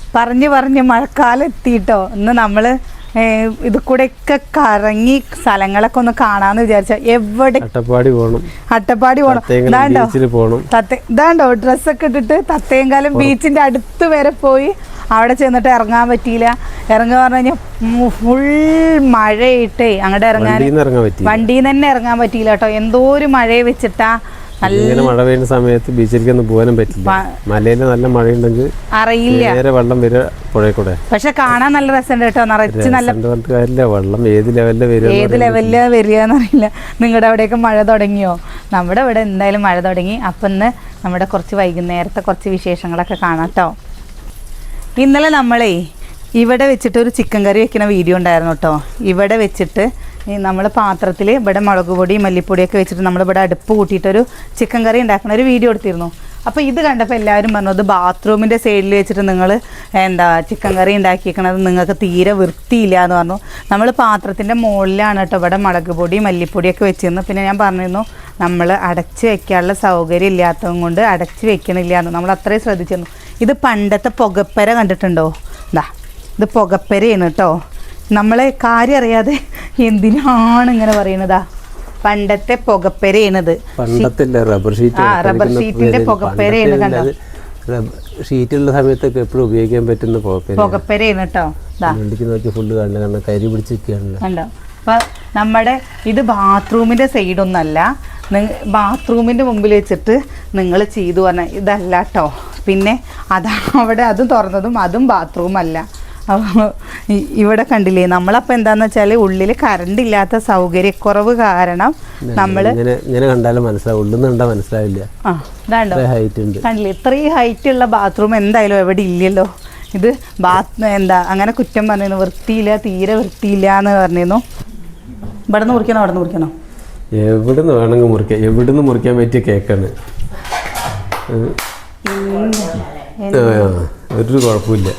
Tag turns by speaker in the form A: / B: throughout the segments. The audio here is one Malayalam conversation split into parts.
A: പറഞ്ഞ് മഴക്കാലം എത്തിയിട്ടോ. ഇന്ന് നമ്മൾ ഇത് കൂടെയൊക്കെ കറങ്ങി സ്ഥലങ്ങളൊക്കെ ഒന്ന് കാണാന്ന് വിചാരിച്ച എവിടെ
B: അട്ടപ്പാടി പോകണം.
A: ഇതാണ്ടോ ഡ്രസ്സൊക്കെ ഇട്ടിട്ട് തത്തയങ്കാലം ബീച്ചിന്റെ അടുത്ത് വരെ പോയി അവിടെ ചെന്നിട്ട് ഇറങ്ങാൻ പറ്റിയില്ല. ഇറങ്ങുക പറഞ്ഞു കഴിഞ്ഞാൽ ഫുൾ മഴയിട്ടേ അങ്ങോട്ട് വണ്ടിയിൽ നിന്ന് തന്നെ ഇറങ്ങാൻ പറ്റിയില്ല കേട്ടോ. എന്തോ ഒരു മഴയെ വെച്ചിട്ടാ.
B: നല്ല മഴ പെയ്യുന്ന സമയത്ത് ബീച്ചിലേക്കൊന്നും പോകാനും പറ്റില്ല. മലയിൽ നല്ല മഴയുണ്ടെങ്കിൽ അറിയില്ല, നേരെ വെള്ളം വരിക പുഴയിൽ കൂടെ.
A: പക്ഷെ കാണാൻ നല്ല രസമുണ്ട് കേട്ടോ. നിറച്ച് നല്ല
B: വെള്ളം ഏത് ലെവലിലാ
A: വരികയെന്നറിയില്ല. നിങ്ങളുടെ അവിടെയൊക്കെ മഴ തുടങ്ങിയോ? നമ്മുടെ ഇവിടെ എന്തായാലും മഴ തുടങ്ങി. അപ്പം ഇന്ന് നമ്മുടെ കുറച്ച് വൈകുന്നേരത്തെ കുറച്ച് വിശേഷങ്ങളൊക്കെ കാണാം കേട്ടോ. ഇന്നലെ നമ്മളെ ഇവിടെ വെച്ചിട്ട് ഒരു ചിക്കൻ കറി വെക്കുന്ന വീഡിയോ ഉണ്ടായിരുന്നു കേട്ടോ. ഇവിടെ വെച്ചിട്ട് നമ്മൾ പാത്രത്തിൽ ഇവിടെ മുളക് പൊടി മല്ലിപ്പൊടിയൊക്കെ വെച്ചിട്ട് നമ്മളിവിടെ അടുപ്പ് കൂട്ടിയിട്ടൊരു ചിക്കൻ കറി ഉണ്ടാക്കുന്ന ഒരു വീഡിയോ എടുത്തിരുന്നു. അപ്പോൾ ഇത് കണ്ടപ്പോൾ എല്ലാവരും പറഞ്ഞു ഇത് ബാത്റൂമിൻ്റെ സൈഡിൽ വെച്ചിട്ട് നിങ്ങൾ ചിക്കൻ കറി ഉണ്ടാക്കിയിരിക്കണത് നിങ്ങൾക്ക് തീരെ വൃത്തിയില്ല എന്ന് പറഞ്ഞു. നമ്മൾ പാത്രത്തിൻ്റെ മുകളിലാണ് കേട്ടോ ഇവിടെ മുളക് പൊടി മല്ലിപ്പൊടിയൊക്കെ വെച്ചിരുന്നു. പിന്നെ ഞാൻ പറഞ്ഞിരുന്നു നമ്മൾ അടച്ച് വെക്കാനുള്ള സൗകര്യം ഇല്ലാത്തത് കൊണ്ട് അടച്ച് വെക്കണില്ല എന്ന്. നമ്മൾ അത്രയും ശ്രദ്ധിച്ചിരുന്നു. ഇത് പണ്ടത്തെ പുകപ്പര കണ്ടിട്ടുണ്ടോ? ഇത് പുകപ്പരയാണ് കേട്ടോ. നമ്മളെ കാര്യം അറിയാതെ എന്തിനാണ് ഇങ്ങനെ പറയണതാ? പണ്ടത്തെ പുകപ്പരയാണിത്.
B: റബ്ബർ
A: ഷീറ്റിന്റെ പുകപ്പരയാണ്. കണ്ടോ?
B: ഷീറ്റുള്ള സമയത്തൊക്കെ എപ്പോഴും ഉപയോഗിക്കാൻ പറ്റുന്ന
A: പുകപ്പരയാണ് കേട്ടോ.
B: ഫുള്ള് കരി പിടിച്ചിരിക്കുകയാണല്ലോ.
A: കണ്ടോ? അപ്പൊ നമ്മുടെ ഇത് ബാത്റൂമിന്റെ സൈഡൊന്നല്ല, ബാത്റൂമിന്റെ മുമ്പിൽ വെച്ചിട്ട് നിങ്ങൾ ചെയ്തു പറഞ്ഞ ഇതല്ല കേട്ടോ. പിന്നെ അവിടെ അതും തുറന്നതും അതും ബാത്റൂം അല്ല. ഇവിടെ കണ്ടില്ലേ, നമ്മളപ്പോൾ എന്താന്ന് വെച്ചാൽ ഉള്ളിൽ കറണ്ട് ഇല്ലാത്ത സൗകര്യക്കുറവ് കാരണം നമ്മൾ
B: ഇങ്ങനെ കണ്ടാലും മനസ്സിലാവില്ല.
A: കണ്ടില്ലേ, ഇത്രയും ഹൈറ്റ് ഉള്ള ബാത്റൂം എന്തായാലും എവിടെ ഇല്ലല്ലോ. ഇത് അങ്ങനെ കുറ്റം പറഞ്ഞിരുന്നു, വൃത്തിയില്ല, തീരെ വൃത്തിയില്ല എന്ന് പറഞ്ഞിരുന്നു. ഇവിടെ നിന്ന് മുറിക്കണോ അവിടെ നിന്ന് മുറിക്കണോ?
B: എവിടുന്ന് വേണമെങ്കിൽ മുറിക്കാം. എവിടുന്ന് മുറിക്കാൻ പറ്റിയ കേക്കാണ്. ഒരു കുഴപ്പമില്ല.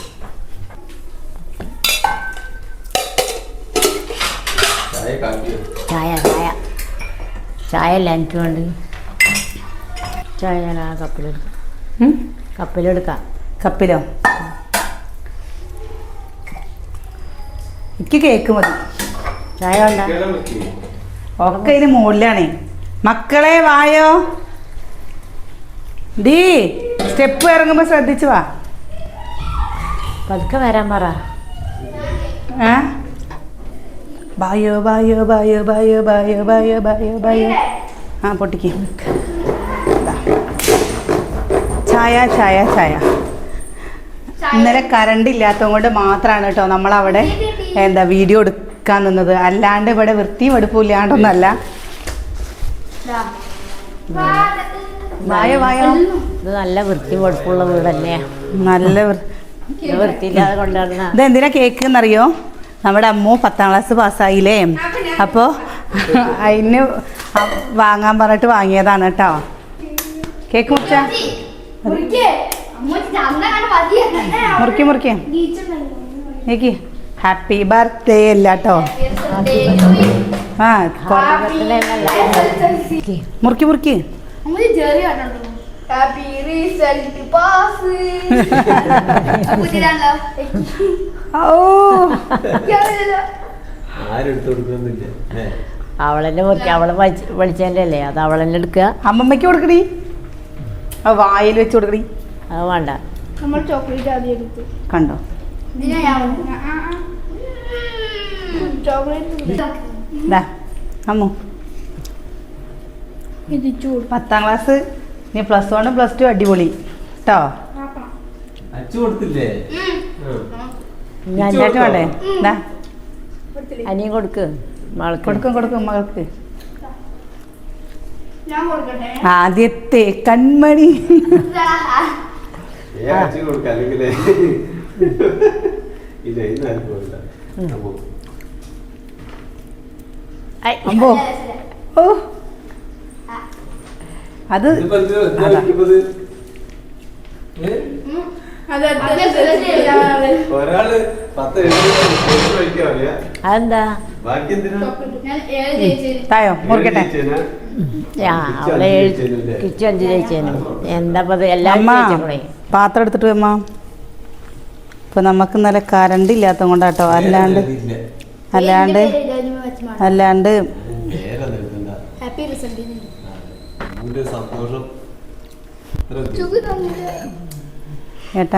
C: ചായ അല്ല എനിക്ക് വേണ്ടി. ചായ ഞാൻ ആ കപ്പിലെടുക്കാം.
A: കപ്പിലോ? എനിക്ക് കേക്ക് മതി.
C: ചായ വേണ്ട.
A: ഒക്കെ ഇതിന് മുകളിലാണേ. മക്കളെ വായോ. ഡീ സ്റ്റെപ്പ് ഇറങ്ങുമ്പോ ശ്രദ്ധിച്ചു വാ.
C: പതുക്കെ വരാൻ പറ.
A: ബായോ ബായോ ബായോ ബായോ ബായോ ബായോ ബായോ ബായോ. പൊട്ടിക്ക്. ചായ ചായ ചായ. ഇന്നലെ കറണ്ട് ഇല്ലാത്തത് കൊണ്ട് മാത്രമാണ് കേട്ടോ നമ്മളവിടെ വീഡിയോ എടുക്കാൻ നിന്നത്. അല്ലാണ്ട് ഇവിടെ വൃത്തിയും എടുപ്പില്ലാണ്ടൊന്നല്ല. വായോ വായോ.
C: ഇത് നല്ല വൃത്തി വെടുപ്പുള്ള വീട് തന്നെയാ.
A: നല്ല
C: വൃത്തിയില്ലാതെ കൊണ്ടുവരുന്ന.
A: ഇതെന്തിനാ കേക്ക് എന്നറിയോ? നമ്മുടെ അമ്മു 10ാം ക്ലാസ് പാസ്സായില്ലേ, അപ്പോൾ അതിന് വാങ്ങാൻ പറഞ്ഞിട്ട് വാങ്ങിയതാണ് കേട്ടോ. കേക്ക് മുറിച്ചാ മുറിക്ക് എനിക്ക് ഹാപ്പി ബർത്ത്ഡേ അല്ല കേട്ടോ. മുറിക്ക്
C: അവളെന്നെ മുറിക്ക. അവളെ വിളിച്ചതിൻ്റെ അല്ലേ, അത് അവളെന്നെ എടുക്കുക.
A: അമ്മമ്മയ്ക്ക് കൊടുക്കടി, വായിൽ വെച്ച് കൊടുക്കടി.
C: അത് വേണ്ട.
A: കണ്ടോ? അമ്മു 10ാം ക്ലാസ്, നീ +1 +2 അടിപൊളി കേട്ടോ. വേണ്ടേ?
C: അനിയും കൊടുക്ക്.
A: കൊടുക്കും മകൾക്ക്. ആദ്യത്തെ കൺമണി. അമ്പോ ഓ അത്
C: അതെന്താ
A: തായോ മുറിക്കട്ടെ.
C: അവളെ കിച്ചു 5 ജയിച്ചേനും. എന്താ എല്ലാം
A: പാത്രം എടുത്തിട്ട് അമ്മ ഇപ്പൊ നമുക്ക് ഇന്നലെ കറണ്ട് ഇല്ലാത്ത കൊണ്ടാട്ടോ, അല്ലാണ്ട്
D: ഹാപ്പി റിസൾട്ട്
B: സന്തോഷം
A: ഏട്ടാ.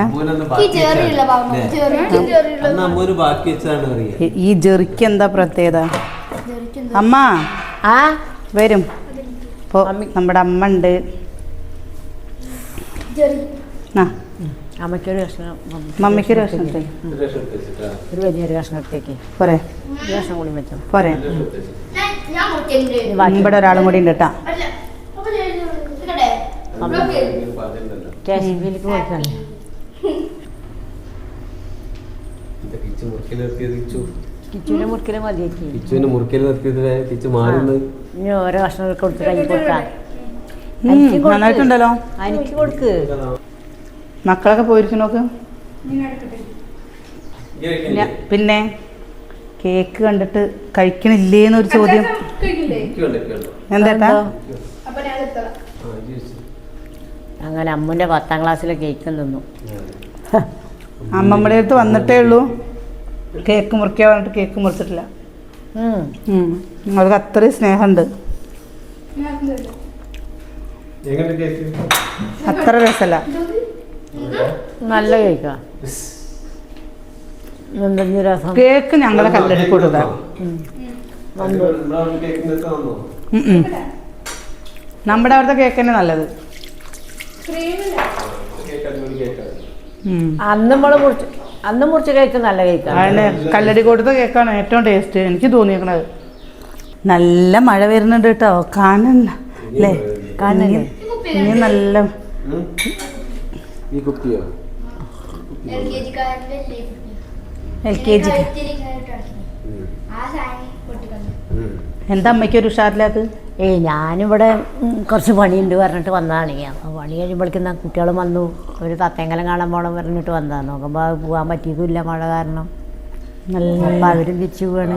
A: ഈ ജെറിക്ക് എന്താ പ്രത്യേകത? അമ്മ
C: ആ
A: വരും. ഇപ്പൊ നമ്മുടെ അമ്മ ഉണ്ട്. ആ
C: അമ്മയ്ക്കൊരു കഷ്ണം,
A: മമ്മിക്കൊരു കഷ്ണം എടുത്തേ.
C: ഒരു വലിയൊരു കഷ്ണം എടുത്തേക്ക്.
A: പോരെ?
C: ഒരു കഷ്ണം കൂടി വെച്ചോ.
A: പോരെ? ഇവിടെ ഒരാളും കൂടി ഉണ്ട് കേട്ടാ.
C: കാശ്മീരിലേക്ക് കൊടുക്കാണ്. കിച്ചുവിന്റെ മുറിക്കല് മതിയാക്കി.
B: കിച്ചുവിന്റെ മുറിക്കൽ നിർത്തിയത് കിച്ചു മാറുന്നത്.
C: ഇനി ഓരോ കഷ്ണം കൊടുത്ത് കൈ കൊടുക്കാം.
A: നന്നായിട്ടുണ്ടല്ലോ.
C: എനിക്ക് കൊടുക്ക്.
A: മക്കളൊക്കെ പോയിരിക്കും നോക്ക്. പിന്നെ കേക്ക് കണ്ടിട്ട് കഴിക്കണില്ലേന്നൊരു ചോദ്യം. എന്താ?
C: അങ്ങനെ അമ്മൂൻ്റെ 10ാം ക്ലാസ്സിലെ കേക്ക് തിന്നു.
A: അമ്മമ്മയുടെ അടുത്ത് വന്നിട്ടേ ഉള്ളൂ കേക്ക് മുറിക്കാൻ പറഞ്ഞിട്ട് കേക്ക് മുറിച്ചിട്ടില്ല. അവർക്ക് അത്രയും സ്നേഹമുണ്ട്. അത്ര രസമല്ല.
C: നല്ല കേക്കാ. രസം.
A: കേക്ക് ഞങ്ങളെ കല്ലടി കൊടുക്ക. നമ്മുടെ അവിടുത്തെ കേക്ക് തന്നെ നല്ലത്.
C: അന്ന് മുറിച്ച കേക്ക് നല്ല കേക്കാണ്.
A: അതിന് കല്ലടി കൊടുത്ത കേക്കാണ് ഏറ്റവും ടേസ്റ്റ് എനിക്ക് തോന്നിയേക്കണത്. നല്ല മഴ വരുന്നുണ്ട് കേട്ടോ. കാണണ്ട അല്ലേ? കാണണ്ടേ? ഇനി നല്ല LKG. എന്താ അമ്മയ്ക്കൊരു ഉഷാറില്ലാത്ത?
C: ഞാനിവിടെ കുറച്ച് പണിയുണ്ട് പറഞ്ഞിട്ട് വന്നതാണ്. അപ്പോൾ പണി കഴിയുമ്പോഴേക്കും കുട്ടികളും വന്നു. ഒരു തത്തേങ്കലം കാണാൻ പോകണം പറഞ്ഞിട്ട് വന്നതാണ്. നോക്കുമ്പോൾ അത് പോകാൻ പറ്റിയതുമില്ല മഴ കാരണം. അപ്പം അവരും തിരിച്ചു പോവാണ്.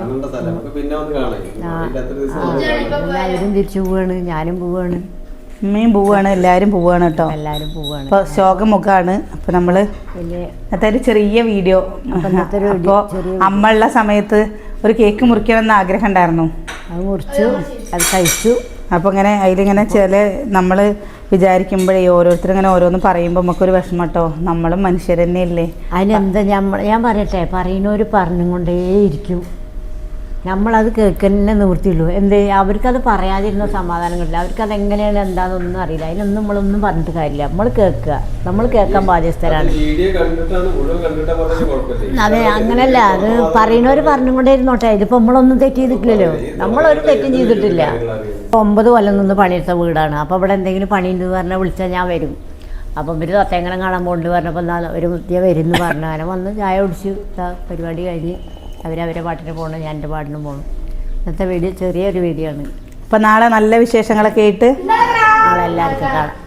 C: അവരും തിരിച്ചു പോവാണ്, ഞാനും പോവാണ്,
A: അമ്മയും പോവാണ്, എല്ലാവരും പോവാണ് കേട്ടോ.
C: എല്ലാവരും പോവാണ്.
A: ഇപ്പോൾ ശോകമുഖമാണ്. അപ്പോൾ നമ്മൾ ഇന്നത്തെ ഒരു ചെറിയ വീഡിയോ. അപ്പോൾ അമ്മ ഉള്ള സമയത്ത് ഒരു കേക്ക് മുറിക്കണമെന്ന് ആഗ്രഹം ഉണ്ടായിരുന്നു.
C: അത് മുറിച്ചു, അത് കഴിച്ചു.
A: അപ്പോൾ ഇങ്ങനെ അതിലിങ്ങനെ ചില നമ്മൾ വിചാരിക്കുമ്പോഴേ ഓരോരുത്തർ ഇങ്ങനെ ഓരോന്ന് പറയുമ്പോൾ നമുക്കൊരു വിഷമം കേട്ടോ. നമ്മളും മനുഷ്യർ തന്നെയല്ലേ.
C: അതിനെന്താ ഞാൻ പറയട്ടെ, പറയുന്നവർ പറഞ്ഞും കൊണ്ടേയിരിക്കും. നമ്മളത് കേൾക്കന്നെ നിവൃത്തിയുള്ളൂ. എന്ത് അവർക്കത് പറയാതിരുന്ന സമാധാനം കിട്ടില്ല. അവർക്കത് എങ്ങനെയാണ് എന്താണെന്നൊന്നും അറിയില്ല. അതിനൊന്നും നമ്മളൊന്നും പറഞ്ഞിട്ട് കാര്യമില്ല. നമ്മൾ കേൾക്കുക, നമ്മൾ കേൾക്കാൻ ബാധ്യസ്ഥരാണ്. അതെ, അങ്ങനല്ല. അത് പറയുന്നവർ പറഞ്ഞും കൊണ്ടേ ഇരുന്നോട്ടെ. ഇതിപ്പോൾ നമ്മളൊന്നും തെറ്റ് ചെയ്തിട്ടില്ലല്ലോ. നമ്മളൊരു തെറ്റും ചെയ്തിട്ടില്ല. 9 കൊല്ലം നിന്ന് പണിയെടുത്ത വീടാണ്. അപ്പോൾ ഇവിടെ എന്തെങ്കിലും പണിയുണ്ട് പറഞ്ഞാൽ വിളിച്ചാൽ ഞാൻ വരും. അപ്പം ഇവർ തത്തേങ്ങനെ കാണാൻ പോകുന്നുണ്ട് പറഞ്ഞപ്പോൾ എന്നാൽ ഒരു മുത്തിയ വരുമെന്ന് പറഞ്ഞു. അങ്ങനെ വന്ന് ചായ കുടിച്ച് പരിപാടി കഴിഞ്ഞ് അവരവരെ പാട്ടിന് പോകണം, ഞാൻ എൻ്റെ പാട്ടിന് പോകണം. ഇന്നത്തെ വീഡിയോ ചെറിയൊരു വീഡിയോ ആണ്.
A: അപ്പോൾ നാളെ നല്ല വിശേഷങ്ങളൊക്കെ ആയിട്ട്
C: നാളെ എല്ലാവർക്കും കാണാം.